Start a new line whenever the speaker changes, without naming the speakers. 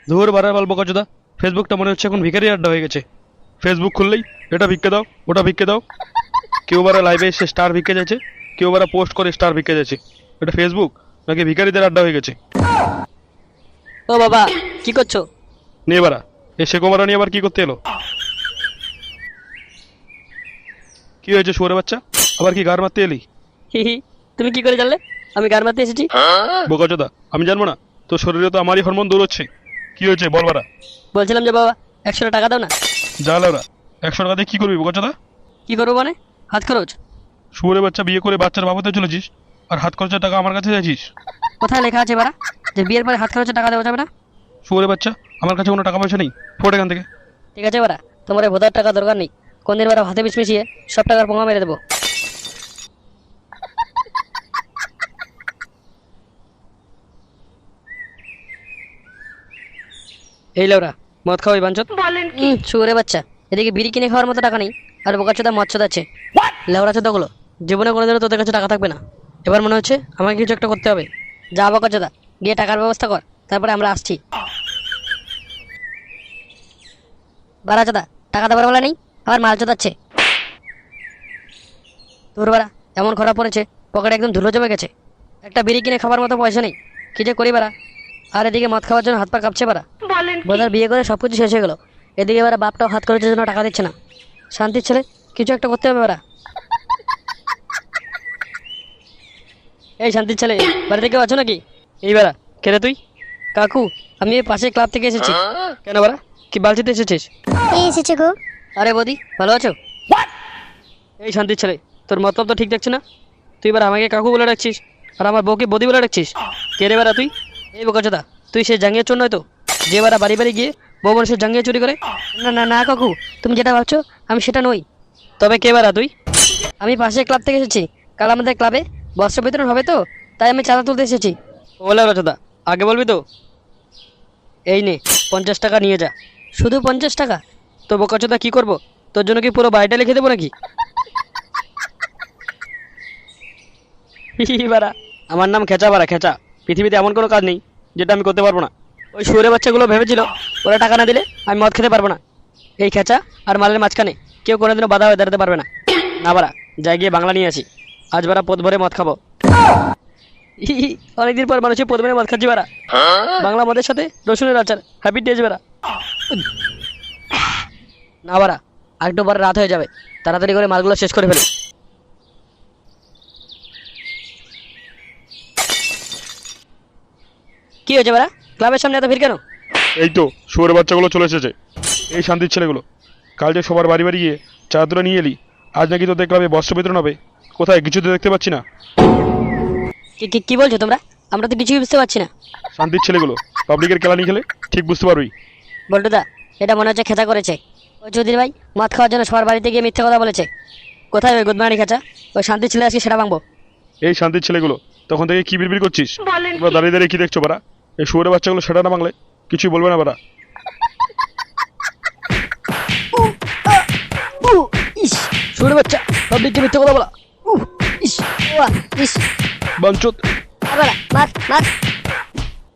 ধুর বাড়ার বল বোকাচোদা, ফেসবুকটা মনে হচ্ছে এখন ভিখারি আড্ডা হয়ে গেছে। ফেসবুক খুললেই এটা ভিক্ষে দাও, ওটা ভিক্ষে দাও। কেউ বারা লাইভে এসে স্টার ভিক্ষে যাচ্ছে, কেউ বারা পোস্ট করে স্টার ভিক্ষে যাচ্ছে। এটা ফেসবুক নাকি ভিখারিদের আড্ডা হয়ে গেছে?
ও বাবা, কি করছো?
নিয়ে বারা এ শেখো মারা নিয়ে আবার কি করতে এলো? কি হয়েছে শুয়োরের বাচ্চা, আবার কি গার মারতে এলি?
হি হি, তুমি কি করে জানলে আমি গান মারতে এসেছি?
বোকাচোদা, আমি জানবো না? তোর শরীরে তো আমারই হরমোন দৌড়চ্ছে। কি হয়েছে বল বারা।
বলছিলাম যে বাবা 100 টাকা দাও না।
যা লাউরা, 100 টাকা দিয়ে কি করবি বোকাচোদা?
কি করবো মানে? হাত খরচ।
শুয়োরের বাচ্চা, বিয়ে করে বাচ্চার বাবাতে চলেছিস আর হাত খরচের টাকা আমার কাছে চাইছিস?
কোথায় লেখা আছে বাড়া যে বিয়ের পরে হাত খরচের টাকা দেওয়া যাবে না?
শুয়োরের বাচ্চা, আমার কাছে কোনো টাকা পয়সা নেই, ফোট এখান থেকে।
ঠিক আছে বাড়া, তোমার এই ভোটার টাকা দরকার নেই। কোন দিন বাড়া হাতে বিষ মিশিয়ে সব টাকার পোঙা মেরে দেবো। এই লেওরা, মদ খাওয়াই বাঞ্চত। শুয়োরে বাচ্চা, এদিকে বিড়ি কিনে খাওয়ার মতো টাকা নেই, আর বোকাচোদা মদ চোদাচ্ছে। লেওরা চোদাগুলো, জীবনে কোনোদিনও তোদের কাছে টাকা থাকবে না। এবার মনে হচ্ছে আমাকে কিছু একটা করতে হবে। যা বোকাচোদা, গিয়ে টাকার ব্যবস্থা কর, তারপরে আমরা আসছি। বাড়া চোদা, টাকা দেবার বলা নেই, আবার মাল চোদাচ্ছে। তোর বাড়া এমন খারাপ পড়েছে, পকেটে একদম ধুলো জমে গেছে। একটা বিড়ি কিনে খাবার মতো পয়সা নেই, কি যে করি বাড়া। আর এদিকে মদ খাওয়ার জন্য হাত পা কাঁপছে বাড়া। বোধার বিয়ে করে সব কিছু শেষ হয়ে গেল, এদিকে এবার বাপটাও হাত খরচের জন্য টাকা দিচ্ছে না। শান্তির ছেলে, কিছু একটা করতে হবে ওরা। এই শান্তির ছেলে, বাড়িতে কেউ আছো নাকি? এই বাড়া, কেরে তুই? কাকু, আমি এই পাশে ক্লাব থেকে এসেছি। কেন বাড়া, কি বালতিতে এসেছিস?
কে এসেছে গো?
আরে বৌদি, ভালো আছো? এই শান্তির ছেলে, তোর মতলব তো ঠিক দেখছি না। তুই এবার আমাকে কাকু বলে ডাকছিস, আর আমার বউকে বৌদি বলে ডাকছিস। কে রে বাড়া তুই? এই বোকাচোদা, তুই সে জাঙ্গিয়ে চোর নয় তো, যে বাড়া বাড়ি বাড়ি গিয়ে বউ মানুষের জাঙ্গিয়ে চুরি করে? না না না কাকু, তুমি যেটা ভাবছো আমি সেটা নই। তবে কে বাড়া তুই? আমি পাশে ক্লাব থেকে এসেছি, কাল আমাদের ক্লাবে বস্ত্র বিতরণ হবে তো, তাই আমি চাঁদা তুলতে এসেছি। ওলা রচদা, আগে বলবি তো। এই নে 50 টাকা নিয়ে যা। শুধু 50 টাকা? তো বোকাচোদা কি করবো, তোর জন্য কি পুরো বাড়িটা লিখে দেবো নাকি? বাড়া, আমার নাম খেচা বাড়া, খেচা। পৃথিবীতে এমন কোনো কাজ নেই যেটা আমি করতে পারবো না। ওই শুয়োরের বাচ্চাগুলো ভেবেছিল ওরা টাকা না দিলে আমি মদ খেতে পারবো না। এই খেচা আর মালের মাঝখানে কেউ কোনোদিনও বাধা হয়ে দাঁড়াতে পারবে না। না বাড়া, যাই গিয়ে বাংলা নিয়ে আসি। আজ বাড়া পদ ভরে মদ খাবো। অনেকদিন পর মানুষের পদ ভরে মদ খাচ্ছি বাড়া। বাংলা মদের সাথে রসুনের আচার, হ্যাপি ডেজ বাড়া। না বাড়া, আরেকটু পরে রাত হয়ে যাবে, তাড়াতাড়ি করে মালগুলো শেষ করে ফেলে। কি হয়েছে বাড়া, ক্লাবের সামনে এত ভিড় কেন?
এই তো শুয়োরের বাচ্চাগুলো চলে এসেছে। এই শান্তির ছেলেগুলো, কাল যে সবার বাড়ি বাড়ি গিয়ে চাদরা নিয়ে এলি, আজ নাকি তো দেখলাম বস্ত্র বিতরণ হবে। কোথায়, কিছু তো দেখতে পাচ্ছি না।
কি কি কি বলছো তোমরা? আমরা তো কিছুই বুঝতে পারছি না।
শান্তির ছেলেগুলো পাবলিকের খেলা নিয়ে খেলে ঠিক বুঝতে পারবি।
বল্টুদা, এটা মনে হচ্ছে খেচা করেছে। ওই চৌধুরী ভাই মদ খাওয়ার জন্য সবার বাড়িতে গিয়ে মিথ্যে কথা বলেছে। কোথায় ওই গুদমানি খেচা? ওই শান্তির ছেলে আজকে সেটা ভাঙবো।
এই শান্তির ছেলেগুলো, তখন থেকে কি বিড়বিড় করছিস? তোমরা দাঁড়িয়ে দাঁড়িয়ে কি দেখছো বাড়া? এই শুয়োরের বাচ্চাগুলো সেটা না বাংলে কিছুই বলবে না বাড়া।
ইস, শুনে বাচ্চা, পাবলিককে মিথ্যে কথা বলা। ইস,
ওয়া, ইস,
বাঞ্চত।
আবার মার মার।